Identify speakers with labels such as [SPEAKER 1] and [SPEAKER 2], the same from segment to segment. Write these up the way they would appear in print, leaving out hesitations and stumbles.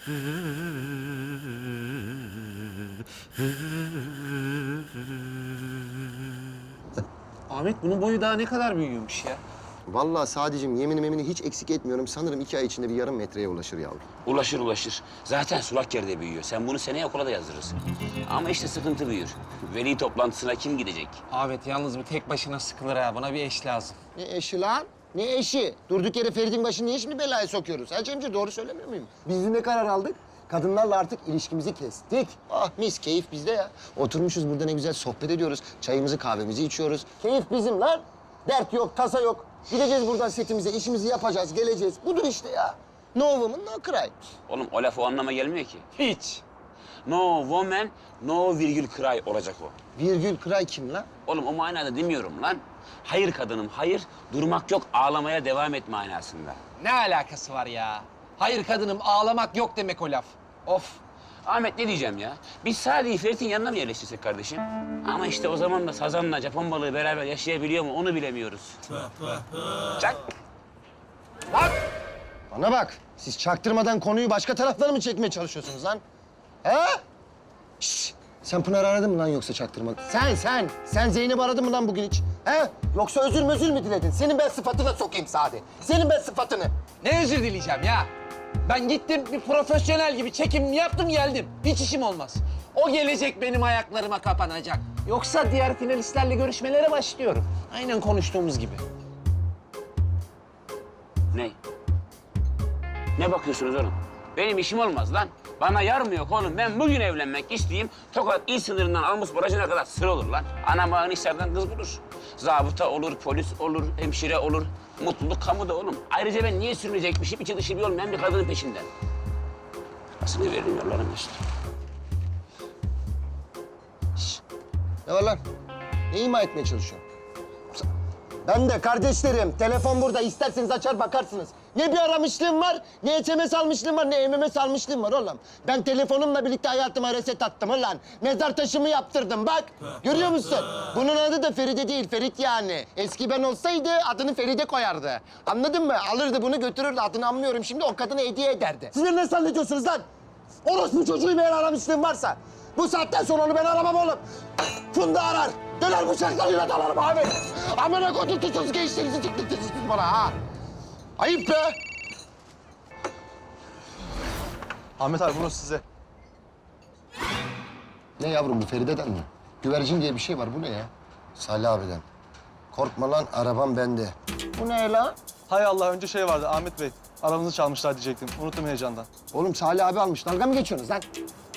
[SPEAKER 1] Ahmet bunun boyu daha ne kadar büyüyormuş ya?
[SPEAKER 2] Vallahi sadece yeminimi hiç eksik etmiyorum. Sanırım 2 ay içinde bir yarım metreye ulaşır yavrum.
[SPEAKER 3] Ulaşır ulaşır. Zaten sulak yerde büyüyor. Sen bunu seneye okula da yazdırırsın. Ama işte sıkıntı büyür. Veli toplantısına kim gidecek?
[SPEAKER 1] Ahmet yalnız bu tek başına sıkılır ha. Buna bir eş lazım.
[SPEAKER 2] Ne eşi lan? Ne eşi? Durduk yere Ferit'in başını niye şimdi belaya sokuyoruz? Ha Cemciğim, doğru söylemiyor muyum? Biz de ne karar aldık? Kadınlarla artık ilişkimizi kestik. Ah mis, keyif bizde ya. Oturmuşuz burada ne güzel sohbet ediyoruz. Çayımızı kahvemizi içiyoruz. Keyif bizim lan. Dert yok, tasa yok. Gideceğiz buradan setimize, işimizi yapacağız, geleceğiz. Budur işte ya. No woman, no cry.
[SPEAKER 3] Oğlum o laf o anlama gelmiyor ki.
[SPEAKER 1] Hiç.
[SPEAKER 3] No woman, no virgül cry olacak o.
[SPEAKER 2] Virgül cry kim lan?
[SPEAKER 3] Oğlum o manada demiyorum lan. Hayır kadınım, hayır. Durmak yok, ağlamaya devam et manasında.
[SPEAKER 1] Ne alakası var ya? Hayır kadınım ağlamak yok demek o laf. Of.
[SPEAKER 3] Ahmet ne diyeceğim ya? Biz Sadi'yi Ferit'in yanına mı yerleştirsek kardeşim? Ama işte o zaman da sazanla Japon balığı beraber yaşayabiliyor mu onu bilemiyoruz. Çak.
[SPEAKER 2] Bana bak, siz çaktırmadan konuyu başka taraflara mı çekmeye çalışıyorsunuz lan? He? Şşş! Sen Pınar'ı aradın mı lan yoksa çaktırmadan? Sen Zeynep'i aradın mı lan bugün hiç? He? Yoksa özür mü diledin? Senin ben sıfatına sokayım Sadi. Senin ben sıfatını.
[SPEAKER 1] Ne özür dileyeceğim ya? Ben gittim bir profesyonel gibi çekim yaptım geldim. Hiç işim olmaz. O gelecek benim ayaklarıma kapanacak. Yoksa diğer finalistlerle görüşmelere başlıyorum. Aynen konuştuğumuz gibi.
[SPEAKER 3] Ne? Ne bakıyorsunuz oğlum? Benim işim olmaz lan. Bana yar mı yok oğlum? Ben bugün evlenmek isteyeyim. Tokat il sınırından almış barajına kadar sıra olur lan. Anam ağın işlerden kız bulur. Zabıta olur, polis olur, hemşire olur. Mutluluk kamuda oğlum. Ayrıca ben niye sürünecekmişim? İçi dışı bir olmayan bir kadının peşinden. Parasını veririm yollarım işte.
[SPEAKER 2] Ne var lan? Ne ima etmeye çalışıyorsun? Ben de kardeşlerim. Telefon burada. İsterseniz açar bakarsınız. Ne bir aramışlığım var, ne SMS almışlığım var, ne MMS almışlığım var oğlum. Ben telefonumla birlikte hayatıma reset attım ulan. Mezar taşımı yaptırdım bak. Görüyor musun? Bunun adı da Feride değil, Ferit yani. Eski ben olsaydı adını Feride koyardı. Anladın mı? Alırdı bunu götürürdü. Adını anlıyorum şimdi, o kadına hediye ederdi. Sizler ne zannediyorsunuz lan? Orospu çocuğu eğer aramışlığım varsa. Bu saatten sonra onu ben aramam oğlum. Funda arar. Döner bıçaklarıyla dalarım abi. Amına koydum tutsuz gençlerinizi tıklıktınız siz bana ha. Ayıp be.
[SPEAKER 4] Ahmet abi bunu size.
[SPEAKER 2] Ne yavrum bu Feride'den mi? Güvercin diye bir şey var. Bu ne ya? Salih abiden. Korkma lan arabam bende. Bu ne lan?
[SPEAKER 4] Hay Allah, önce şey vardı Ahmet Bey. Aranızı çalmışlar diyecektim. Unuttum heyecandan.
[SPEAKER 2] Oğlum Salih abi almış. Dalga mı geçiyorsunuz lan?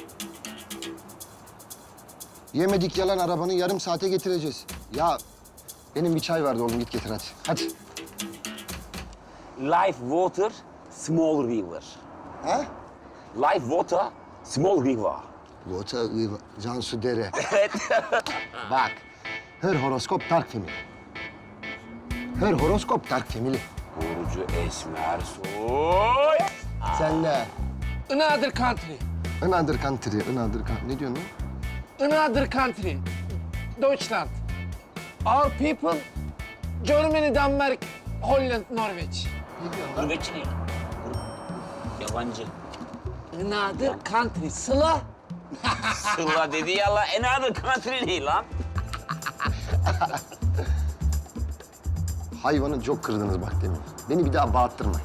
[SPEAKER 2] Yemedik yalan arabanı yarım saate getireceğiz. Ya benim bir çay vardı oğlum, git getir hadi. Hadi.
[SPEAKER 3] Life water, small river.
[SPEAKER 2] Ha?
[SPEAKER 3] Life water, small river.
[SPEAKER 2] Vota, Cansu Dere.
[SPEAKER 3] Evet.
[SPEAKER 2] Bak, her horoskop dark family. Her horoskop dark family.
[SPEAKER 3] Burcu Esmer Soy.
[SPEAKER 2] Sen de
[SPEAKER 1] Another country.
[SPEAKER 2] another country, Ne diyorsun lan?
[SPEAKER 1] Another country. Deutschland. Our people, Germany, Denmark, Holland, Norveç.
[SPEAKER 3] Gurbetçi değil. Yabancı.
[SPEAKER 1] Another country. Sıla.
[SPEAKER 3] Sıla dedi ya la. Another country değil lan.
[SPEAKER 2] Hayvanı çok kırdınız bak demin. Beni bir daha bağırttırmayın.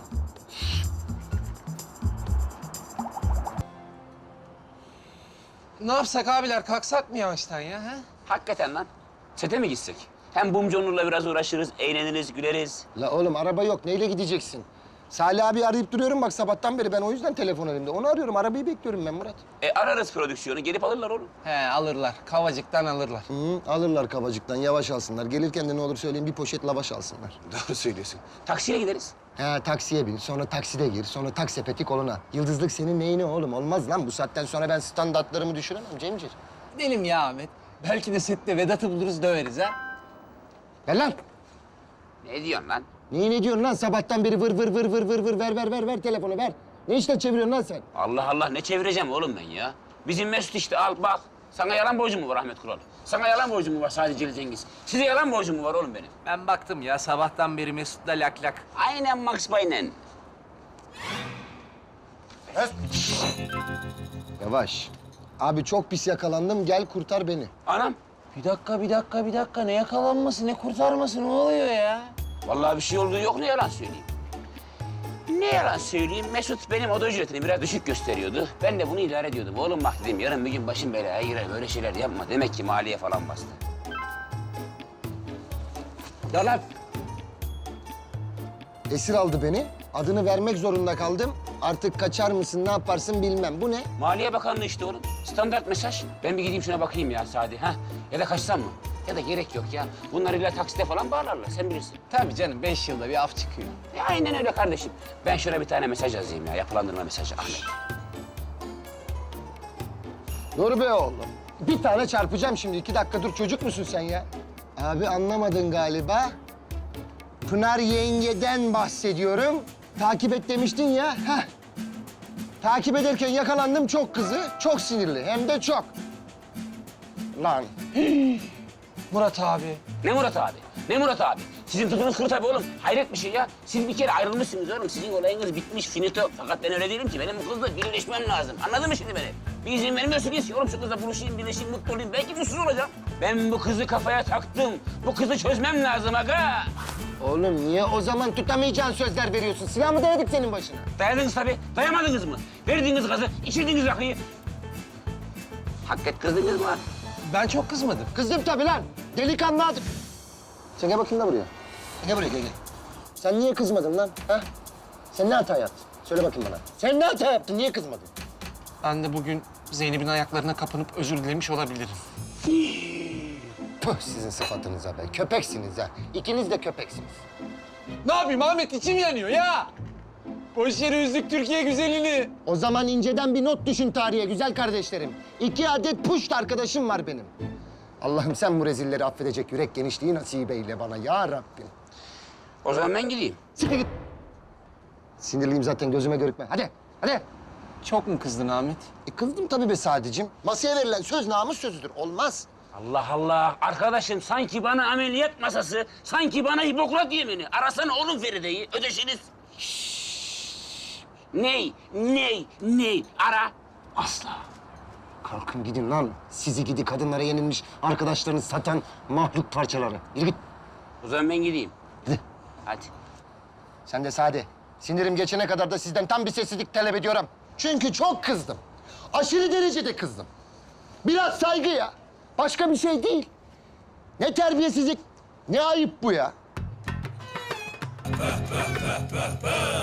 [SPEAKER 1] Ne yapsak abiler? Kalksak mı yavaştan ya? Ha?
[SPEAKER 3] Hakikaten lan. Sete mi gitsek? Hem Bumcu Onur'la biraz uğraşırız, eğleniriz, güleriz.
[SPEAKER 2] La oğlum araba yok. Neyle gideceksin? Salih abi arayıp duruyorum bak sabahtan beri. Ben o yüzden telefon elimde. Onu arıyorum. Arabayı bekliyorum ben Murat.
[SPEAKER 3] Ararız prodüksiyonu, gelip alırlar oğlum.
[SPEAKER 1] He alırlar. Kavacıktan alırlar.
[SPEAKER 2] Hı, alırlar kabacıktan. Yavaş alsınlar. Gelirken de ne olur söyleyeyim bir poşet lavaş alsınlar.
[SPEAKER 3] Doğru söylüyorsun. Taksiye gideriz.
[SPEAKER 2] He taksiye bin. Sonra takside gir. Sonra taksepeti koluna. Yıldızlık senin neyine oğlum? Olmaz lan. Bu saatten sonra ben standartlarımı düşüremem Cemcir.
[SPEAKER 1] Gidelim ya Ahmet. Belki de sette Vedat'ı buluruz döveriz ha.
[SPEAKER 2] Ver lan.
[SPEAKER 3] Ne diyorsun lan?
[SPEAKER 2] Ne diyorsun lan? Sabahtan beri vır ver telefonu ver. Ne işler çeviriyorsun lan sen?
[SPEAKER 3] Allah Allah ne çevireceğim oğlum ben ya? Bizim Mesut işte al bak. Sana yalan borcum mu var Ahmet Kural? Sana yalan borcum mu var sadece Celil Cengiz? Size yalan borcum mu var oğlum benim?
[SPEAKER 1] Ben baktım ya sabahtan beri Mesut'la lak lak.
[SPEAKER 3] Aynen Max Payne'en.
[SPEAKER 2] Yavaş. Abi çok pis yakalandım. Gel kurtar beni.
[SPEAKER 3] Anam.
[SPEAKER 1] Bir dakika. Ne yakalanması, ne kurtarması, ne oluyor ya?
[SPEAKER 3] Vallahi bir şey olduğu yok, ne yalan söyleyeyim. Ne yalan söyleyeyim, Mesut benim oda ücretini biraz düşük gösteriyordu. Ben de bunu idare ediyordum. Oğlum bak dedim, yarın bir gün başım belaya girer, böyle şeyler yapma. Demek ki maliye falan bastı. Ya lan,
[SPEAKER 2] Esir aldı beni. Adını vermek zorunda kaldım. Artık kaçar mısın, ne yaparsın bilmem. Bu ne?
[SPEAKER 3] Maliye Bakanlığı işte oğlum. Standart mesaj. Ben bir gideyim şuna bakayım ya Sadi. Ha? Ya da kaçsam mı? Ya da gerek yok ya. Bunlar illa taksite falan bağlarlar, sen bilirsin.
[SPEAKER 1] Tabii canım, 5 yılda bir af çıkıyor.
[SPEAKER 3] Ya aynen öyle kardeşim. Ben şuna bir tane mesaj yazayım ya, yapılandırma mesajı Ahmet.
[SPEAKER 2] Dur be oğlum. Bir tane çarpacağım şimdi. 2 dakika dur. Çocuk musun sen ya? Abi anlamadın galiba. Pınar yengeden bahsediyorum. Takip et demiştin ya. Heh. Takip ederken yakalandım, çok kızı. Çok sinirli. Hem de çok. Lan.
[SPEAKER 1] Murat abi.
[SPEAKER 3] Ne Murat abi? Ne Murat abi? Sizin tutunuz kuru tabii oğlum. Hayret bir şey ya. Siz bir kere ayrılmışsınız oğlum. Sizin olayınız bitmiş, finito. Fakat ben öyle değilim ki. Benim bu kızla birleşmem lazım. Anladın mı şimdi beni? Bir izin vermiyorsunuz ki. Oğlum şu kızla buluşayım, birleşeyim, mutlu olayım. Belki mutsuz olacağım. Ben bu kızı kafaya taktım. Bu kızı çözmem lazım aga.
[SPEAKER 2] Oğlum niye o zaman tutamayacağın sözler veriyorsun? Silah mı dayadık senin başına?
[SPEAKER 3] Dayadınız tabii. Dayamadınız mı? Verdiğiniz gazı, içirdiğiniz rakıyı. Hakikat kızdınız mı?
[SPEAKER 1] Ben çok kızmadım.
[SPEAKER 2] Kızdım tabii lan. Delikanlı adım. Sen gel bakayım da buraya. Gel buraya, gel. Sen niye kızmadın lan? Ha? Sen ne hata yaptın? Söyle bakayım bana. Sen ne hata yaptın? Niye kızmadın?
[SPEAKER 1] Ben de bugün Zeynep'in ayaklarına kapanıp özür dilemiş olabilirim.
[SPEAKER 2] Puh sizin sıfatınıza be. Köpeksiniz ha. İkiniz de köpeksiniz.
[SPEAKER 1] Ne yapayım Ahmet, içim yanıyor ya. Boş yere üzdük Türkiye güzelini.
[SPEAKER 2] O zaman inceden bir not düşün tarihe güzel kardeşlerim. 2 adet puşt arkadaşım var benim. Allah'ım sen bu rezilleri affedecek yürek genişliği nasip eyle bana ya Rabbim.
[SPEAKER 3] O zaman ben gideyim.
[SPEAKER 2] Siktir git. Sinirliyim zaten, gözüme görükme. Hadi, hadi.
[SPEAKER 1] Çok mu kızdın Ahmet?
[SPEAKER 2] Kızdım tabii be Sadicim. Masaya verilen söz namus sözüdür. Olmaz.
[SPEAKER 3] Allah Allah. Arkadaşım sanki bana ameliyat masası, sanki bana Hipokrat yemini. Arasana oğlum Feride'yi, ödeşiniz. Ney? Ara. Asla.
[SPEAKER 2] Kalkın gidin lan. Sizi gidi kadınlara yenilmiş arkadaşlarını satan mahluk parçaları. Yürü git.
[SPEAKER 3] O zaman ben gideyim.
[SPEAKER 2] Hadi.
[SPEAKER 3] Hadi.
[SPEAKER 2] Sen de Sade. Sinirim geçene kadar da sizden tam bir sessizlik talep ediyorum. Çünkü çok kızdım. Aşırı derecede kızdım. Biraz saygı ya. Başka bir şey değil. Ne terbiyesizlik, ne ayıp bu ya.